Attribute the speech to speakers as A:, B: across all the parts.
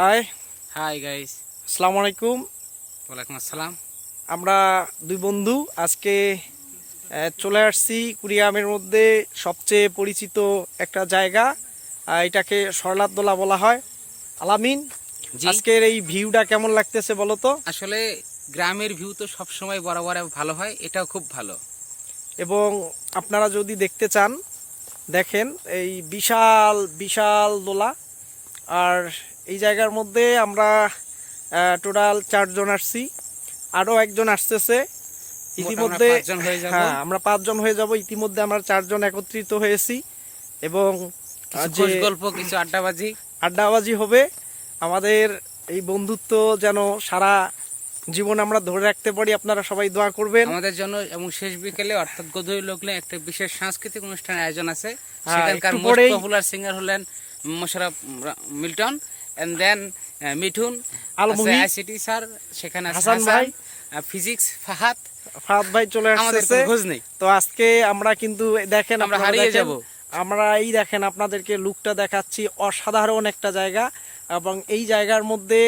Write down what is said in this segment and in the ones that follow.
A: High
B: hi guys,
A: আসসালামু আলাইকুম।
B: ওয়ালাইকুম আসসালাম।
A: আমরা দুই বন্ধু আজকে চলে আসছি কুড়িগ্রামের মধ্যে সবচেয়ে পরিচিত একটা জায়গা, এটাকে সরলাদোলা বলা হয়। আলামিন,
B: জি,
A: আজকের এই ভিউটা কেমন লাগতেছে বলো তো?
B: আসলে গ্রামের ভিউ তো সব সময় বরাবর ভালো হয়, এটাও খুব ভালো।
A: এবং আপনারা যদি দেখতে চান দেখেন এই বিশাল বিশাল দোলা। আর এই জায়গার মধ্যে আমরা টোটাল 4 জন আসছি, আরও একজন আসতেছে ইতিমধ্যে।
B: মোটামুটি 5 জন হয়ে যাব।
A: হ্যাঁ, আমরা 5 জন হয়ে যাব। ইতিমধ্যে আমরা 4 জন একত্রিত হয়েছি এবং
B: কিছু
A: যে
B: খোশ গল্প, কিছু
A: আড্ডাবাজি হবে। আমাদের এই বন্ধুত্ব যেন সারা জীবন আমরা ধরে রাখতে পারি, আপনারা সবাই দোয়া করবেন
B: আমাদের জন্য। এবং শেষ বিকেলে অর্থাৎ গধূলি লগ্নে একটা বিশেষ সাংস্কৃতিক অনুষ্ঠানের আয়োজন আছে।
A: হ্যাঁ,
B: সেখানকার
A: একটু
B: মোস্ট
A: পরেই
B: পপুলার সিঙ্গার হলেন Mosharraf Milton, and then Mithun
A: Alamgir,
B: ICT sir, সেখানে আছে
A: হাসান ভাই,
B: ফিজিক্স ফাহাদ।
A: ফাহাদ ভাই চলে
B: আমাদের
A: আসছে।
B: কোনো খোঁজ নেই,
A: তো আজকে আমরা কিন্তু দেখেন,
B: আমরা
A: আপনারা
B: হারিয়ে
A: দেখেন,
B: যাব।
A: আমরা এই দেখেন আপনাদেরকে লুকটা দেখাচ্ছি, অসাধারণ একটা জায়গা। এবং এই জায়গার মধ্যে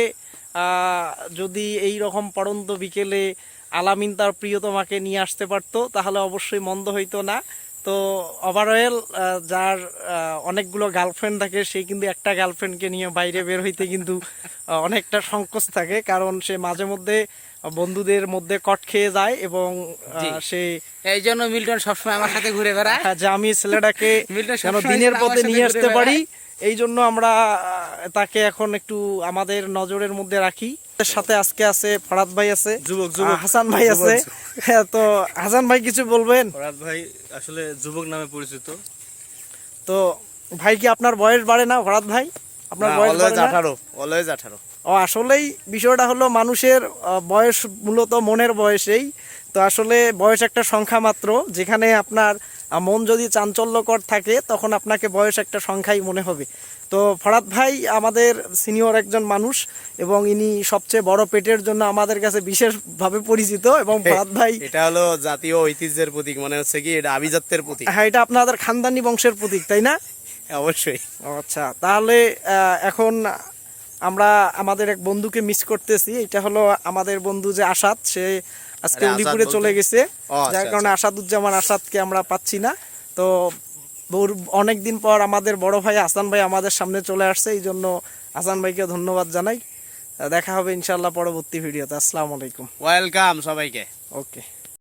A: যদি এই রকম পড়ন্ত বিকেলে আলামিন তার প্রিয়তমাকে নিয়ে আসতে পারতো তাহলে অবশ্যই মন্দ হইতো না। তো ওভারঅল যার অনেকগুলো গার্লফ্রেন্ড থাকে সে কিন্তু একটা গার্লফ্রেন্ডকে নিয়ে বাইরে বের হইতে কিন্তু অনেকটা সংকোচ থাকে, কারণ সে মাঝে মধ্যে বন্ধুদের মধ্যে কট খেয়ে যায় এবং সে
B: এই জন্য মিল্টন সবসময় আমার সাথে ঘুরে বেড়ায়।
A: যে আমি ছেলেটাকে
B: মিল্টন
A: যেন
B: সবসময়
A: দিনের
B: আমার
A: পথে
B: সাথে
A: নিয়ে
B: ঘুরে
A: আসতে
B: বেড়ায়।
A: পারি, এই জন্য আমরা তাকে এখন একটু আমাদের নজরের মধ্যে রাখি। এর সাথে আজকে আছে ফরাদ ভাই, আছে
C: যুবক
A: হাসান ভাই আছে। হ্যাঁ, তো হাসান ভাই কিছু বলবেন?
C: ফরাদ ভাই আসলে যুবক নামে পরিচিত।
A: তো ভাই, কি আপনার বয়স বাড়ে না ফরাদ ভাই? আপনার বয়স বাড়ে না?
C: অলওয়েজ 18।
A: ও, আসলেই বিষয়টা হলো মানুষের বয়স মূলত মনের বয়সেই। তো আসলে বয়স একটা সংখ্যা মাত্র। যেখানে আপনার মন যদি চাঞ্চল্যকর থাকে তখন আপনাকে বয়স একটা সংখ্যাই মনে হবে। তো ফরাদ ভাই আমাদের সিনিয়র একজন মানুষ এবং ইনি সবচেয়ে বড় পেটের জন্য আমাদের কাছে বিশেষভাবে পরিচিত। এবং ফরাদ ভাই,
C: এটা হলো জাতীয় ঐতিহ্যের প্রতীক, মানে হচ্ছে কি এটা আভিজাত্যের প্রতীক।
A: হ্যাঁ, এটা আপনাদের খানদানি বংশের প্রতীক, তাই না?
C: অবশ্যই।
A: ও আচ্ছা, তাহলে এখন আমরা আমাদের এক বন্ধুকে মিস করতেছি। এটা হলো আমাদের বন্ধু যে আসাদ, সে আজকে উলিপুরে চলে গেছে, যার কারণে আসাদুজ্জামান আসাদকে আমরা পাচ্ছি না। তো অনেকদিন পর আমাদের বড় ভাই হাসান ভাই আমাদের সামনে চলে আসছে, এই জন্য হাসান ভাইকে ধন্যবাদ জানাই। দেখা হবে ইনশাল্লাহ পরবর্তী ভিডিওতে। আসসালামু আলাইকুম।
C: ওয়েলকাম সবাইকে।
A: ওকে।